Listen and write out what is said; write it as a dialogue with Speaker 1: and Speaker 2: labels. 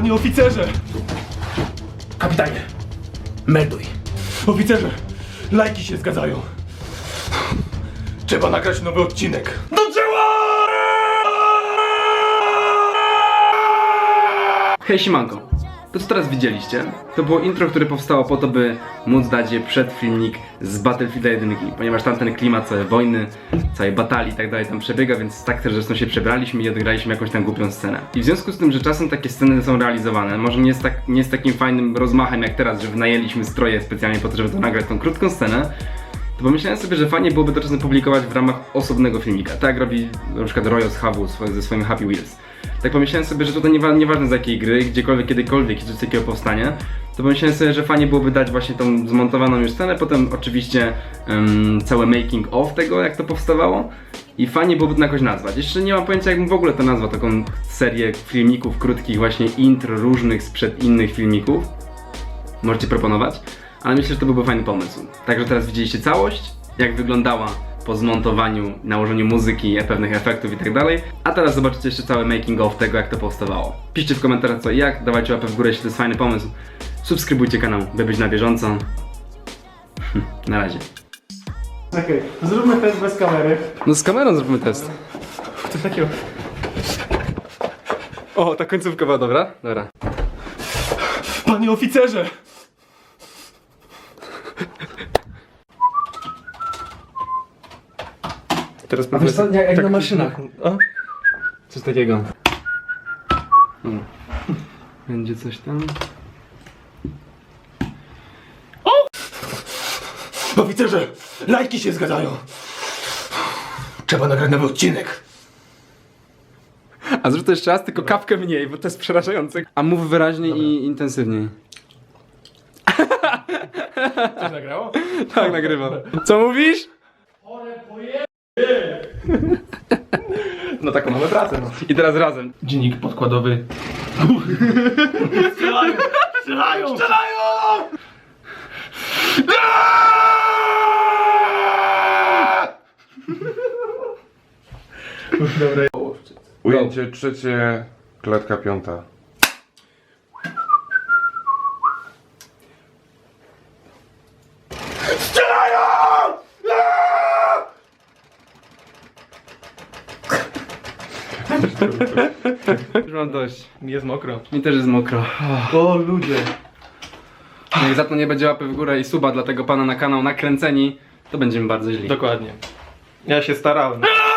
Speaker 1: Panie oficerze! Kapitanie, melduj. Oficerze, lajki się zgadzają. Trzeba nagrać nowy odcinek. Do dzieła!
Speaker 2: Hej siemanko, to co teraz widzieliście, to było intro, które powstało po to, by móc dać je przed filmik z Battlefielda 1, ponieważ tamten klimat całej wojny, całej batalii i tak dalej tam przebiega, więc tak też zresztą się przebraliśmy i odegraliśmy jakąś tam głupią scenę. I w związku z tym, że czasem takie sceny są realizowane, może nie z takim fajnym rozmachem jak teraz, że wynajęliśmy stroje specjalnie po to, żeby to nagrać tą krótką scenę, to pomyślałem sobie, że fajnie byłoby to czasem publikować w ramach osobnego filmika, tak jak robi na przykład Royo z Hawu ze swoim Happy Wheels. Tak pomyślałem sobie, że tutaj nieważne z jakiej gry, gdziekolwiek, kiedykolwiek i coś takiego powstanie, to pomyślałem sobie, że fajnie byłoby dać właśnie tą zmontowaną już scenę, potem oczywiście całe making of tego, jak to powstawało i fajnie byłoby to jakoś nazwać. Jeszcze nie mam pojęcia, jakbym w ogóle to nazwał, taką serię filmików krótkich, właśnie intro różnych sprzed innych filmików. Możecie proponować, ale myślę, że to byłby fajny pomysł. Także teraz widzieliście całość, jak wyglądała po zmontowaniu, nałożeniu muzyki, pewnych efektów i tak dalej. A teraz zobaczycie jeszcze cały making of tego, jak to powstawało. Piszcie w komentarzach co i jak, dawajcie łapę w górę, jeśli to jest fajny pomysł. Subskrybujcie kanał, by być na bieżąco. Na razie.
Speaker 1: Okej, zróbmy test bez kamery.
Speaker 2: No z kamerą zrobimy test.
Speaker 1: Coś takiego.
Speaker 2: O, ta końcówka była dobra? Dobra.
Speaker 1: Panie oficerze! Teraz
Speaker 2: A wiesz co, jak
Speaker 1: tak,
Speaker 2: na maszynach.
Speaker 1: O?
Speaker 2: Coś takiego. Będzie coś tam.
Speaker 1: Oficerze, lajki się zgadzają. Trzeba nagrać nowy odcinek.
Speaker 2: A zrób to jeszcze raz, tylko kapkę mniej, bo to jest przerażające. A mów wyraźniej i intensywniej.
Speaker 1: Coś nagrało?
Speaker 2: Tak, nagrywam. Co mówisz?
Speaker 1: No taką mamy pracę, no.
Speaker 2: I teraz razem.
Speaker 1: Dziennik podkładowy. Strzelają! Strzelają! Strzelają! Dobra.
Speaker 3: Ujęcie trzecie, klatka piąta.
Speaker 1: Strzelają!
Speaker 2: Już mam dość.
Speaker 1: Jest mokro.
Speaker 2: Mi też jest mokro.
Speaker 1: O ludzie.
Speaker 2: Jak za to nie będzie łapy w górę i suba dla tego pana na kanał nakręceni, to będziemy bardzo źli.
Speaker 1: Dokładnie. Ja się starałem.